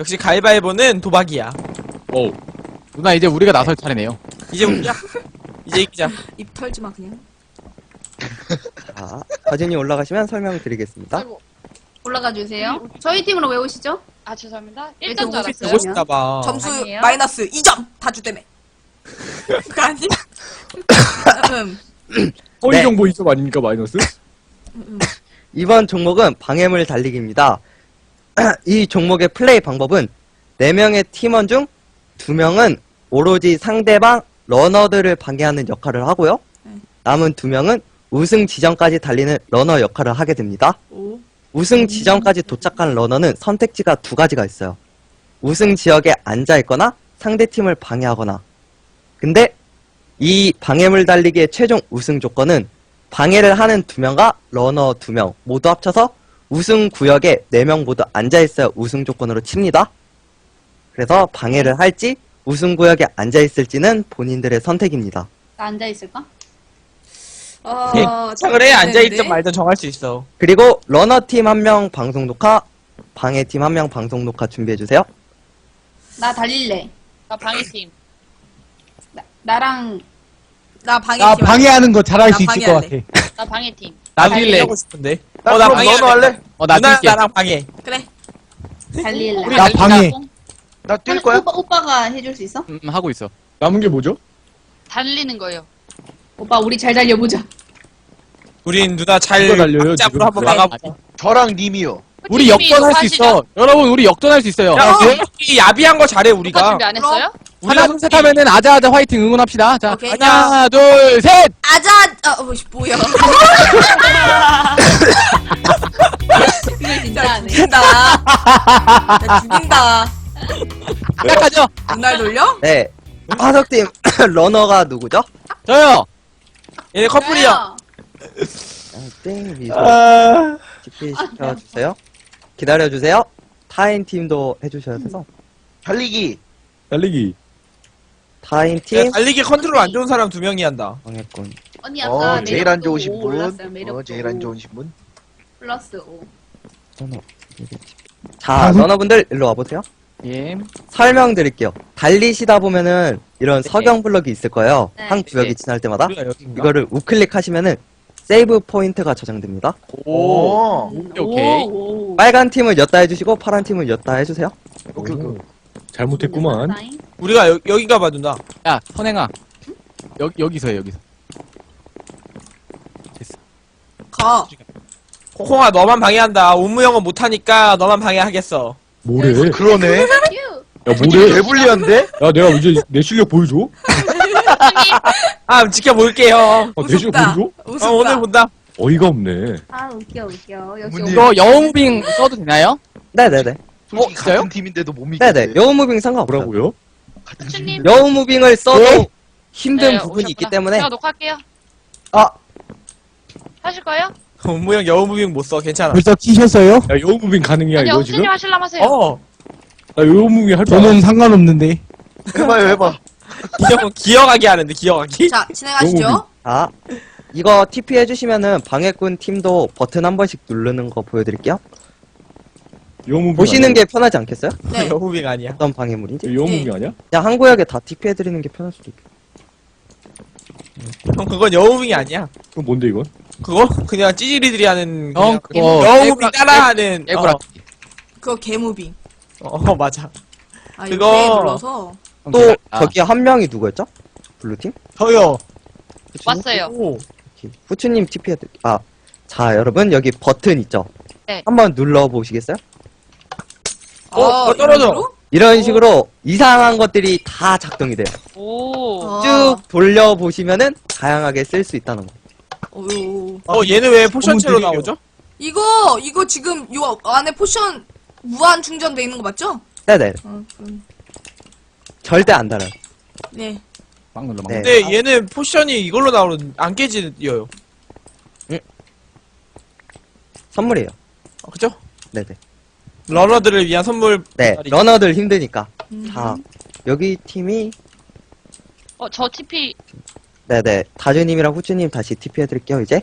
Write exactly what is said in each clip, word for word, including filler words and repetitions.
역시 가위바위보는 도박이야. 오. 누나 이제 우리가 나설 차례네요. 이제 웃자. 이제 이기자. 입 털지 마 그냥. 자, 다준이 올라가시면 설명드리겠습니다. 아이고. 올라가 주세요. 저희 팀으로 왜 오시죠? 아 죄송합니다. 일 일 점 점 줄 오십 알았어요. 보고 싶다 봐. 점수 아니에요? 마이너스 이 점 다주 때문에. 그거 아니? 음, 허위 네. 정보 이 점 아닙니까 마이너스? 음, 음. 이번 종목은 방해물 달리기입니다. 이 종목의 플레이 방법은 네 명의 팀원 중 두 명은 오로지 상대방 러너들을 방해하는 역할을 하고요. 네. 남은 두 명은 우승 지점까지 달리는 러너 역할을 하게 됩니다. 오. 우승 지점까지 도착한 러너는 선택지가 두 가지가 있어요. 우승 지역에 앉아있거나 상대팀을 방해하거나. 근데 이 방해물 달리기의 최종 우승 조건은 방해를 하는 두 명과 러너 두 명 모두 합쳐서 우승 구역에 네 명 모두 앉아있어야 우승 조건으로 칩니다. 그래서 방해를 할지 우승 구역에 앉아있을지는 본인들의 선택입니다. 나 앉아 있을까? 어, 창을 해 앉아있든 되는데? 말든 정할 수 있어. 그리고 러너팀 한 명 방송 녹화, 방해팀 한 명 방송 녹화 준비해주세요. 나 달릴래. 나 방해팀. 나, 나랑 나 방해. 나 방해하는 거 잘할 나 수 있을 것 같아. 방해할래. 나 방해팀. 나도 달릴래. 하고 싶은데. 나 어, 나 그럼 방해. 너도 할래? 어, 나 누나 뛸게. 나랑 방해. 그래. 달릴래. 우리 나 달리자. 방해. 나 뛸 거야? 오빠, 오빠가 해줄 수 있어? 음, 하고 있어. 남은 게 뭐죠? 달리는 거예요. 오빠 우리 잘 달려보자. 우린 누나 잘 누가 달려요, 지금? 짝으로 한번 그래. 막아보자. 저랑 님이요. 우리 팀이 역전할 수 녹화하시죠? 있어. 여러분 우리 역전할 수 있어요. 야, 우리 야비한 거 잘해 녹화 우리가. 준비 안 했어요? 하나 둘 셋 하면은 아자아자 화이팅 응원합시다. 자 오케이. 하나 둘 셋. 아자. 아, 어, 뭐야? 그걸 진짜 야, 안 해. 죽인다. 야, 죽인다. 시작하죠. 눈날 돌려? 네. 화석팀 러너가 누구죠? 저요. 얘네 커플이야. 땡 미소 아, 집필 시켜주세요. 기다려주세요. 타인 팀도 해주셔야 돼서. 달리기. 달리기. 타인 야, 팀 달리기 컨트롤 안 좋은 사람 두 명이 한다. 방해꾼. 언니 아까 어, 제일 안 매력도 좋으신 오 분. 올랐어요. 매력도 어, 제일 안 오. 좋으신 분. 플러스 오. 러너. 자, 러너분들 일로 와보세요. 예. 설명드릴게요. 달리시다 보면은 이런 네. 석영 블럭이 있을 거예요. 네. 한 구역이 네. 지날 때마다. 우리가 여긴가? 이거를 우클릭 하시면은 세이브 포인트가 저장됩니다. 오. 오. 오케이, 오케이. 오, 오. 빨간 팀을 였다 해주시고 파란 팀을 였다 해주세요. 오케이, 오케이. 잘못했구만. 사인. 우리가 여, 여긴가 봐 누나. 야 선행아. 여 여기서 해 여기서. 가. 코콩아 너만 방해한다. 옴무형은 못하니까 너만 방해하겠어. 뭐래? 그러네. 휴. 야 뭐래? 개불리한데? 야 내가 이제 내 실력 보여줘? 아 지켜볼게요. 아, 내 실력 우습다. 보여줘? 우습다. 어, 오늘 본다. 어이가 없네. 아 웃겨 웃겨. 역시 문제. 오빠. 이거 영웅빙 써도 되나요? 네네네. 솔직히 진짜요? 같은 팀인데도 못 믿겠네. 네네. 여우 무빙 상관없어요. 뭐라고요? 같은 후추님. 팀인데. 여우 무빙을 써도 네? 힘든 네, 부분이 있기 오셨구나. 때문에 제가 녹화할게요. 아 하실 거예요? 옴무형 여우무빙 못 써. 괜찮아. 벌써 키셨어요? 야 여우무빙 가능이야 아니요, 이거 지금? 후추님 하실라면 하세요. 어. 나 여우무빙 할 줄 알아. 저는 상관없는데. 해봐요, 해봐. 기억 기억하게 하는데 기억하기. 자, 진행하시죠. 자, 이거 티피 해주시면은 방해꾼 팀도 버튼 한 번씩 누르는 거 보여드릴게요. 여우무빙 보시는 아니야? 게 편하지 않겠어요? 네. 여우무빙 아니야. 어떤 방해물인지? 여우무빙 네. 아니야? 그냥 한 구역에 다 티피 해드리는 게 편할 수도 있고. 형 그건 여우무빙이 아니야. 그럼 뭔데 이건? 그거 그냥 찌질이들이 하는 형 그냥 그거 여우무빙 따라하는. 깨구라. 어, 그거 개무빙. 어 맞아. 아, 그거- 이거 눌러서. 또 저기 한 명이 누구였죠? 블루팀? 저요. 왔어요. 오. 후추님 티피 해드릴게요. 아, 자 여러분 여기 버튼 있죠? 네. 한번 눌러보시겠어요? 어, 아, 어, 떨어져. 이걸로? 이런 식으로 이상한 것들이 다 작동이 돼요. 오. 아. 쭉 돌려보시면은 다양하게 쓸 수 있다는 거. 오. 어 얘는 왜 포션체로 너무 나오죠? 이거 이거 지금 요 안에 포션 무한 충전돼 있는 거 맞죠? 네네. 어, 그럼. 절대 안 달아요. 네. 막 눌러 막 네. 눌러. 근데 얘는 포션이 이걸로 나오는 안 깨지요. 선물이에요. 어, 그죠? 네네. 러너들을 위한 선물. 네, 말이죠. 러너들 힘드니까. 음. 자, 여기 팀이 어, 저 티피. 네네. 다주님이랑 후추님 다시 티피 해드릴게요, 이제.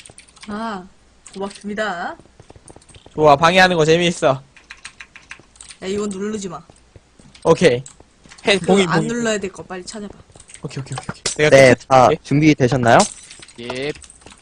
아, 고맙습니다. 좋아 방해하는 거 재미있어. 야 이건 누르지 마. 오케이. 해, 그 봉이, 안 봉이. 눌러야 될 거 빨리 찾아봐. 오케이, 오케이, 오케이. 오케이. 내가 네, 또 다 찾을게. 준비되셨나요? 예.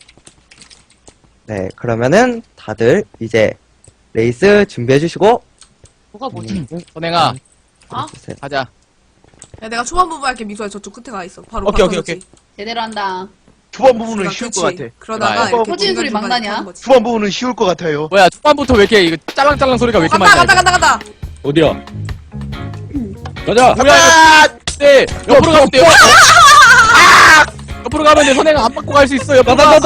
네, 그러면은 다들 이제 레이스 준비해주시고 뭐가 뭐지? 선행아, 주세요. 가자. 야 내가 초반 부분 할게. 미소야 저쪽 끝에 가 있어. 바로 오케이, 바꿔 오케이, 놓지. 제대로 한다. 초반 부분은 그러니까 쉬울 그치. 것 같아. 그러다가 좋아요. 이렇게 터지는 소리 막 중간중간에 나냐? 터는 거지. 초반 부분은 쉬울 것 같아요. 뭐야, 초반부터 왜 이렇게 이거 짤랑짤랑 소리가 왜 이렇게 간다 많이 간다 나? 간다 간다. 어디야? 가자! 뭐야, 이거. 네, 옆으로 가면 돼요. 아! 옆으로 가면 돼. 선행아 안 받고 갈 수 있어. 옆으로 가.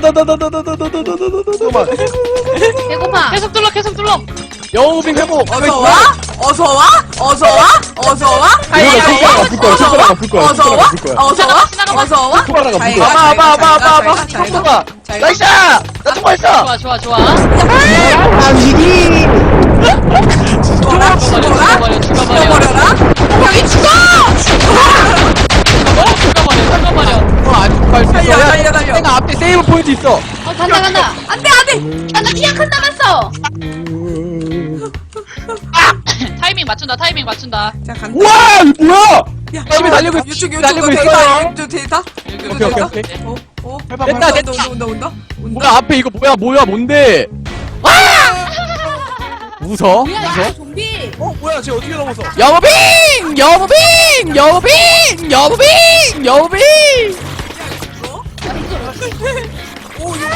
잠깐만. 배고파. 계속 눌러, 계속 눌러. 여우빙 회복. 어서 와. 어서 와. 어서 와. 어서 와. 이거 손가락 아플 거야, 손가락 아플 거야, 어서 손가락 와. 아플 거야. 어서 와. 지나가봐. 어서 와. 손가락 아플 잘 거야. 가, 아봐, 잘 아봐, 가, 아봐, 잘 가, 잘 가. 통과가. 잘 가. 나이스! 나 통과했어! 좋아, 좋아, 좋아. 죽어라. 죽어라. 죽어버려, 죽어버려. 죽어버려라. 형이 죽어. 죽어버려, 죽어버려, 죽어버려. 어, 안 갈수 있어. 달려, 야, 달려, 달려. 선행아 앞에 세이브 포인트 있어. 어 간다 간다. 안돼 안돼. 아 나 키약 한 남았어. 타이밍 맞춘다, 타이밍 맞춘다. 자 간다. 와! 이거 뭐야! 야, 열심히 달리고 있- 이쪽 이쪽 달리고 데이터 있어요. 이쪽 데이터. 이쪽 오케이, 데이터. 오케이, 오케이. 어, 어. 해봐, 됐다, 해봐. 됐다. 온다 온다 온다 온다. 뭐야, 앞에 이거 뭐야, 뭐야, 뭔데? 웃어? 뭐야 웃어? 이거 좀비. 어, 뭐야, 쟤 어떻게 넘어서? 여무빙! 여무빙! 여무빙! 여무빙! 여무빙! 오 이거.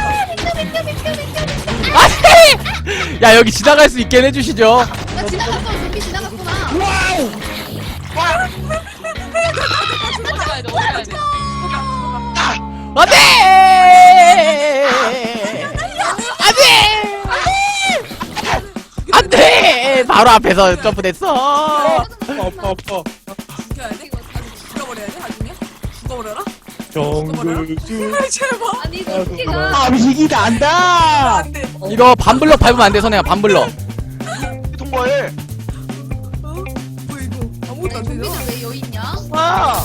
아니! 야, 여기 지나갈 수 있게 해주시죠. 나 지나갔어. 좀비 지나갔구나. 어디 가야 돼, 어디 가야 돼. 안 돼! 안 돼! 안 돼! 바로 앞에서 점프됐어. 아파, 아파. 죽여야 돼. 죽여버려야 돼 나중에. 죽어버려라. 정글주. 제발. 아니 이거 좀비가. 감식이 난다! 안돼. 이거 반블럭 밟으면 안 돼, 선혜야, 반블럭. 통과해. 어? 뭐 이거 아무것도 안 되잖아. 좀비는 왜 여기 있냐? 와!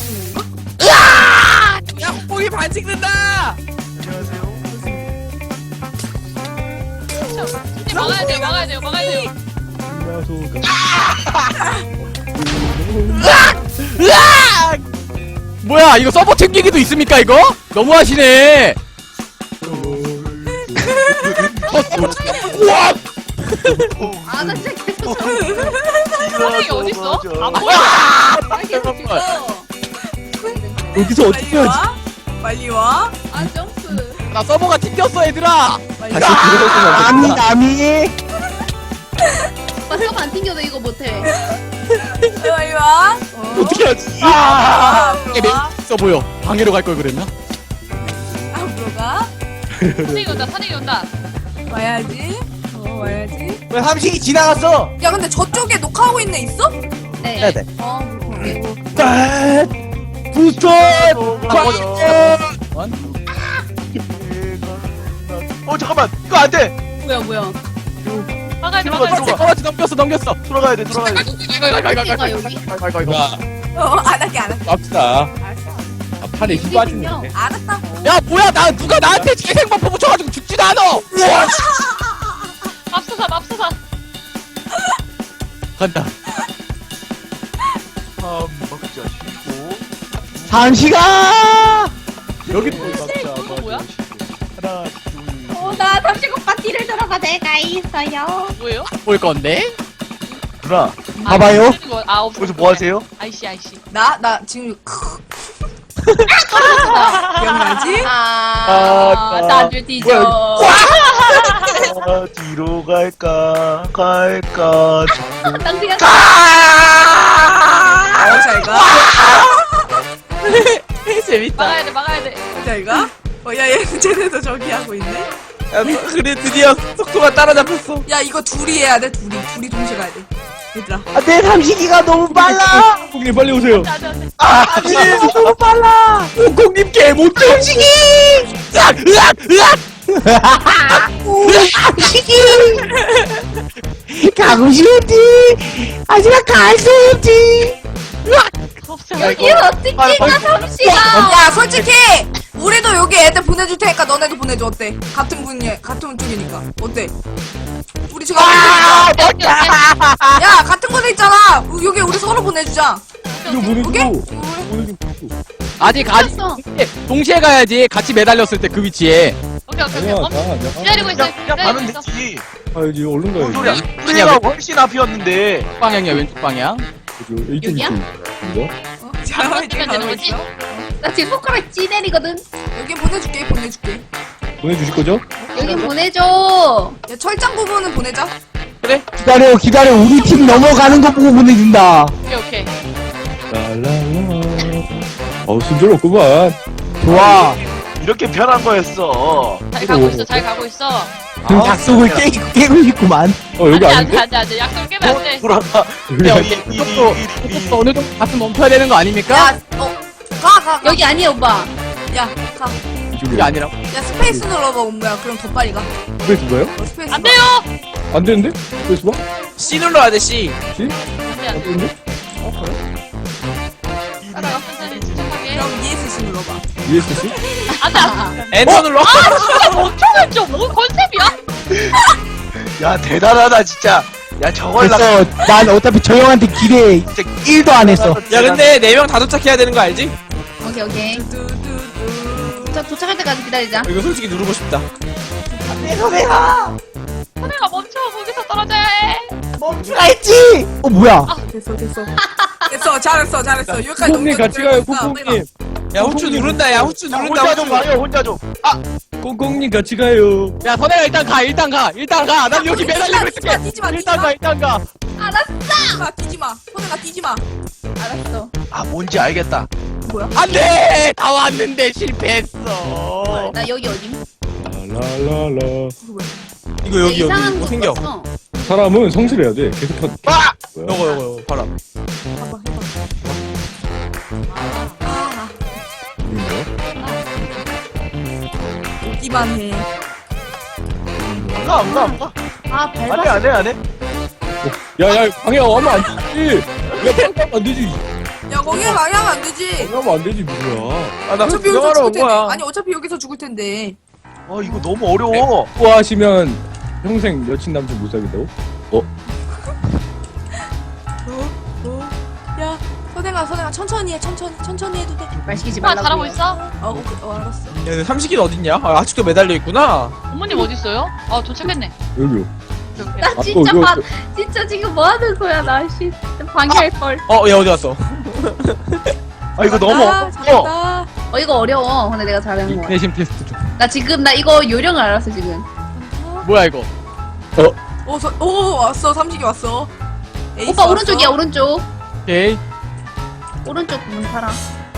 야, 뽕이 반칙된다! 안녕하세요. 막아야 돼요, 막아야 돼요, 막아야 돼요. 으악! 뭐야, 이거 서버 챙기기도 있습니까, 이거? 너무하시네. 아나 진짜 계속 선행이 어딨어? 안 보여. 아 계속 죽어. 여기서 어떻게 빨리 하지? 와. 빨리 와. 아 점프. 나 서버가 튕겼어, 얘들아. 빨리 다시 와. 들어오시면 됩니다. 남이. 오빠 서버 안 튕겨도 이거 못해. 빨리 와. 어. 어떻게 하지? 아, 이게 앞으로 와. 있어 보여. 방해로 갈 걸 그랬나? 앞으로 가. 선행이 온다, 선행이 온다. 와야지. 어, 와야지. 왜 삼식이 지나갔어? 야, 근데 저쪽에 녹화하고 있는 애 있어? 네. 네네. 어, 오케이. 부터! 어, 잠깐만. 이거 안 돼! 뭐야 뭐야. 막아야 돼, 들어가, 막아야 돼. 들어가. 어, 넘겼어, 넘겼어. 돌아가야 돼, 돌아가야 돼. 어디가 여기? 야, 어, 안 할게, 안 할게. 갑시다. 알았어. 아, 팔에 힘 빠지는데. 알았다고. 야, 뭐야, 나 누가 나한테 재생버프 붙여가지고 죽지도 않아. 맙소사, 맙소사. 간다. 아, 먹자, 쉬고. 삼시가. 여기 이거 뭐야? 하나, 둘. 어나 삼십 오빠 뒤를 돌아봐 내가 있어요. 뭐예요? 볼 건데? 누나, 아, 봐봐요. 없어지는 거- 아, 없어. 거기서 뭐 하세요? 아이씨, 아이씨. 나, 나 지금, 기억나지? 아 다들 뒤져. 아, 뒤로 갈까, 갈까. 당신가 어, 잘 가. 재밌다. 막아야 돼, 막아야 돼. 잘 가. 어, 야, 얘, 쟤네도 저기 하고 있네. 야, 그래, 드디어 속도가 따라잡혔어. 야, 이거 둘이 해야 돼, 둘이. 둘이 동시에 가야 돼. 얘들아. 내 삼식이가 너무 빨라. 형님 빨리 오세요. 안 돼, 안 돼. 삼식이 너무 빨라. 공님 개못 삼식이. 으악, 으악, 으악. 삼식이. 가고 싶지. 하지만 갈 수 없지. 없어. 여기 어떻게 가 삼시가. 야, 솔직히! 우리도 여기 애들 보내줄 테니까 너네도 보내줘. 어때? 같은 분이 같은 쪽이니까 어때? 우리 지금 아, 오케이, 오케이. 야 같은 곳에 있잖아. 여기 우리 서로 보내주자. 이거 보내주고. 오케이? 보내주고. 아직 아직 알았어. 동시에 가야지. 같이 매달렸을 때 그 위치에. 오케이, 오케이, 아니야, 오케이. 나, 어, 나. 기다리고 있어. 그냥, 그냥 가면 기다리고 있어. 되지. 아, 이제 얼른 뭔 가야지. 소리야? 우리가 훨씬 앞이었는데. 왼쪽 방향이야 왼쪽 방향. 이쪽, 이쪽, 여기야? 이거? 어? 자, 안 이제 되면 가고 되는 거지? 있어. 나 지금 손가락 찌내리거든. 여기 보내줄게. 보내줄게. 보내주실 거죠? 여기 보내줘. 야 철장 부분은 보내자. 기다려, 기다려. 우리 팀 넘어가는 거 보고 보내준다. 오케이, 오케이. 랄랄라. 어우, 순조롭구만. 좋아. 이렇게 편한 거였어. 잘 가고 있어, 잘 가고 있어. 그럼 약속을 깨, 깨고 싶구만. 어, 여기 안 돼, 아닌데? 안 돼, 안 돼. 약속 깨면 안 돼. 돌아가. 근데 어디 이것도 이것도 어느 정도 가슴 멈춰야 되는 거 아닙니까? 야, 어, 가, 가, 가. 여기 아니야 오빠. 야, 가. 이게 아니라고. 야, 스페이스 눌러봐, 온거야. 그럼 더 빨리 가. 스페이스 봐요? 어, 스페이스. 안 봐. 돼요! 안 되는데? 스페이스 봐? C 눌러야 돼 C. 씨? 안 돼, 안 안 돼. 되는데? 따라가, 천천히, 침착하게. 그럼 이에스씨 눌러봐. 이에스씨? 안 돼, 안 돼. 엔터 눌러. 진짜 멍청했죠? 뭐 컨셉이야? 야, 대단하다, 진짜. 야, 저걸 나. 됐어. 난 어차피 저 형한테 기대 진짜 일도 안 했어. 야 근데 네 명 다 도착해야 되는 거 알지? 오케이 오케이. 뚜뚜뚜. 자 도착할 때까지 기다리자. 이거 솔직히 누르고 싶다. 선생아 멈춰. 거기서 떨어져야 해. 멈추라 했지. 어 뭐야? 됐어, 됐어. 됐어, 잘했어, 잘했어. 여기까지 콩콩님 넘겨. 같이 가요, 됐다, 콩콩님. 야 후추 누른다. 야 후추 야, 누른다. 혼자 좀 후추. 가요, 혼자 좀. 콩콩님 같이 가요. 야 선혜가 일단 가 일단 가 일단 가. 난 여기 매달리고 있을게. 뛰지 마, 뛰지 일단 마. 가 일단 가. 뛰지 마, 뛰지 마. 손에가 뛰지 마. 알았어. 아, 뭔지 알겠다. 안돼 다 왔는데 실패했어. 나 여기 어디? 랄랄라. 이거 여기 여기 이상한 뭐 거 생겨. 봤어. 사람은 성실해야 돼. 계속 한. 아! 요거 요거 요거 봐라. 해봐, 해봐. 아, 웃기만 해. 안 가, 안 가, 안 가. 아 안 해, 밟았어. 안 해, 안 해. 야, 야, 방해하면 안 되지. 야, 방해하면 안 되지. 야, 거기에 방해하면 안 되지. 방해하면 안 되지, 뭐야. 아나 어차피 여기서 구경하러 죽을 온 텐데. 거야. 아니, 어차피 여기서 죽을 텐데. 아, 이거 너무 어려워. 좋아하시면 평생 여친 남친 못 사귄다고? 어? 어? 야, 선행아, 선행아, 천천히 해, 천천히, 천천히 해도 돼. 말 시키지 오빠 말라고. 잘하고 있어? 어, 오케이, 어, 알았어. 야 근데 삼식이는 어딨냐? 아, 아직도 매달려 있구나. 어머님 어디 있어요? 아 도착했네. 여기요. 오케이, 오케이. 나 아, 진짜 또 이거- 봐. 진짜 지금 뭐 하는 거야 나 씨. 방해할 걸. 어 얘 어디 갔어? 아, 이거 너무 잘한다, 어려워. 잘한다. 어 이거 어려워. 근데 내가 잘하는 거야. 내심 테스트 좀. 나 지금 나 이거 요령을 알았어 지금. 뭐야 이거? 오, 서, 오, 왔어, 삼식이 왔어. 에이스 오빠 왔어. 오른쪽이야 오른쪽. 오케이. 오른쪽 문 팔아.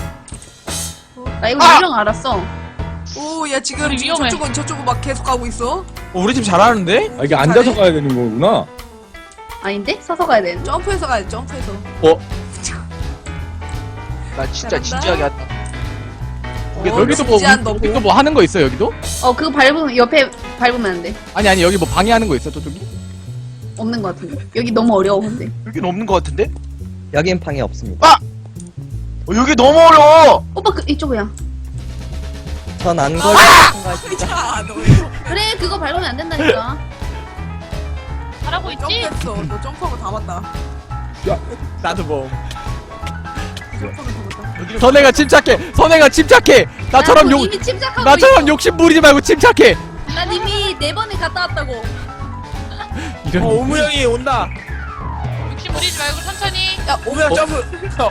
나 이거 아! 요령 알았어. 오, 야, 지금, 우리 지금 위험해. 저쪽은, 저쪽은 막 계속 가고 있어. 어, 우리 팀 잘하는데? 아, 이게 앉아서 가야 되는 거구나. 아닌데? 서서 가야 되는. 점프해서 가야 돼, 점프해서. 나 진짜 잘한다. 진지하게 한다. 어, 여기도 뭐 진지한 너 여기도 뭐 하는 거 있어 여기도? 어 그거 밟으면 옆에 밟으면 안 돼. 아니 아니 여기 뭐 방해하는 거 있어 저쪽이? 없는 거 같은데. 여기 너무 어려워 근데. 여긴 없는 것 같은데? 여긴 방해 없습니다. 어, 여기 너무 어려워. 오빠 그 이쪽이야. 전 안 걸려. 야, 너 이거 그래 그거 밟으면 안 된다니까. 잘하고 있지? 점프했어. 너 점프하고 다 봤다. 나도 뭐. 점프하고 다 봤다. 선혜가 침착해. 선혜가 침착해. 나처럼 나 욕 이미 침착하고 나처럼 있어. 욕심 부리지 말고 침착해. 난 이미 네 번에 갔다 왔다고. 어 이런. 우무 형이 온다. 욕심 부리지 말고 천천히. 야, 우무 형 점프. 어.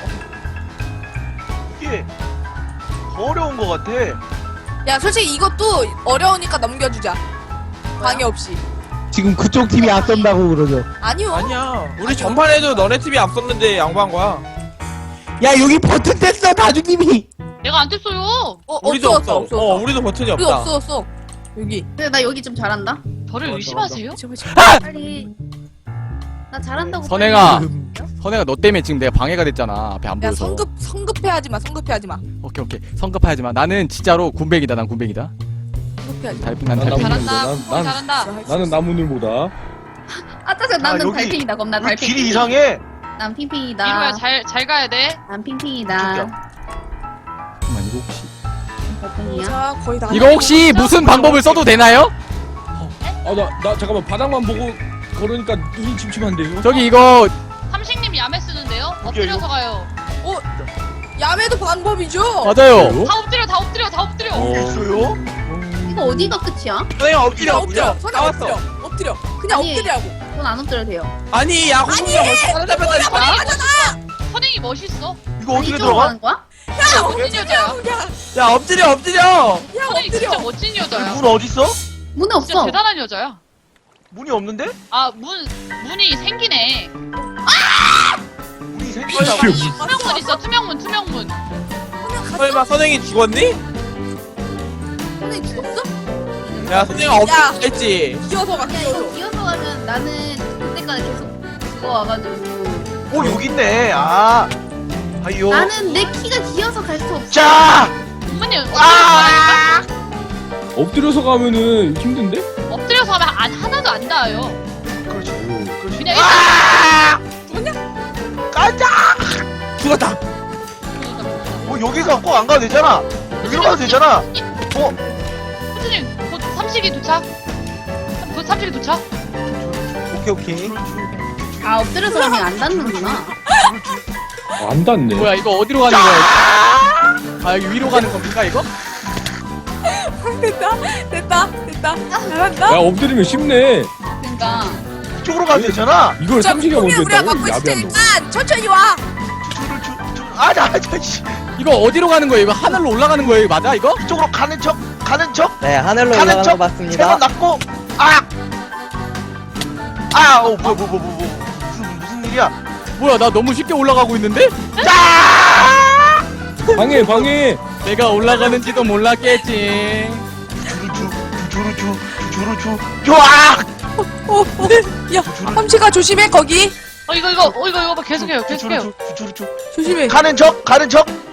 이게 더 어려운 것 같아. 야, 솔직히 이것도 어려우니까 넘겨주자. 방해 없이. 지금 그쪽 팀이 앞선다고 그러죠. 아니요. 아니야. 우리 전판에도 너네 팀이 앞섰는데 양보한 거야. 야 여기 버튼 뗐어 다주님이. 내가 안 됐어요. 어, 우리도 없어, 없어. 없어, 없어. 어 우리도 버튼이 우리 없다. 없어, 없어. 여기. 근데 나 여기 좀 잘한다. 저를 의심하세요? 빨리. 나 잘한다고. 선행아. 빨리. 선혜가 너 때문에 지금 내가 방해가 됐잖아. 앞에 안 야, 보여서. 성급, 성급해하지 마, 성급해하지 마. 오케이 오케이. 성급하지 마. 나는 진짜로 군백이다. 난 군백이다. 성급해하지 마. 달팽 난 난 달팽이. 나무- 잘한다. 난- 콩콩이 난- 잘한다. 나는 나무늘보다. 아 짜증 나는 여기 달팽이다 겁나 우리 달팽이. 길이 이상해. 난 핑핑이다. 이루야 잘잘 가야 돼. 난 핑핑이다. 저기요. 잠깐만 이거 혹시. 달팽이. 아니야. 자, 거의 다. 이거 혹시 무슨 방법을 써도 되나요? 아, 나, 나 잠깐만 바닥만 보고 걸으니까 눈이 침침한데요? 저기 이거 삼식님 야매 쓰는데요? 엎드려서 가요. 야매도 방법이죠. 맞아요. 다 엎드려, 다 엎드려, 다 엎드려. 이게 있어요? 이거 어디가 끝이야? 선생님 엎드려 엎드려, 엎드려 선생님 나왔어. 엎드려, 엎드려. 그냥 아니. 엎드려고. 전 안 엎드려도 돼요. 아니 야 홍수가 벌써 따라잡혔다니까. 선행이 멋있어. 이거 아니, 어떻게 이쪽으로 들어가? 가는 거야? 멋진 여자야. 야 엎드려 엎드려. 야, 선행이 진짜 엎드려. 멋진 여자야. 문 어딨어? 문에 진짜 없어. 대단한 여자야. 문이 없는데? 아, 문, 문이 생기네. 문이 생긴다고. 투명문 있어, 투명문, 투명문. 설마 선생이 죽었니? 선생님 죽었어? 야 선생이 엎드려 했지. 기어서 가, 야 기어서. 이거 이어서 가면 나는 그때까지 계속 그거 와가지고 오, 여기 있네. 아. 아이요. 나는 내 키가 기어서 갈 수 없어. 자! 문이 아! 엎드려서 가면은 힘든데? 엎드려서 하면 안, 하나도 안 닿아요. 그렇지. 그렇지. 그냥 일단 아! 가자! 죽었다. 뭐 여기서 꼭 안 가도 되잖아. 여기로 가도 되잖아. 어? 선생님, 곧 삼식이 도착. 곧 삼식이 도착. 오케이 오케이. 아 엎드려서 가면 안 닿는구나. 아, 안 닿네. 뭐야 이거 어디로 가는 거야? 아 여기 위로 가는 겁니까 이거? 됐다, 됐다, 됐다. 잘한다. 야, 엎드리면 쉽네. 그러니까 이쪽으로 가도 되잖아. 이걸 자, 삼식이가 우리 먼저 우리가 했다고? 막고 있을 야비한 놈. 테니까 천천히 와. 줄을 줄, 줄. 아, 나, 저, 씨. 이거 어디로 가는 거예요? 이거 하늘로 올라가는 거예요? 이거 맞아 이거? 이쪽으로 가는 척, 가는 척. 네, 하늘로 가는 올라가는 척. 거 세번 맞습니다. 났고. 아! 아, 어, 뭐, 뭐, 뭐, 뭐, 뭐. 무슨, 무슨 일이야? 뭐야 나 너무 쉽게 올라가고 있는데? 짜! 방해, 방해. 내가 올라가는지도 몰랐겠지. 주르주, 주르주, 주르주, 좋아! 어, 어. 야, 삼치가 조심해 거기. 어, 이거, 이거, 어, 이거, 이거 계속해요, 계속해요. 주르주, 주르주. 조심해. 가는 척, 가는 척.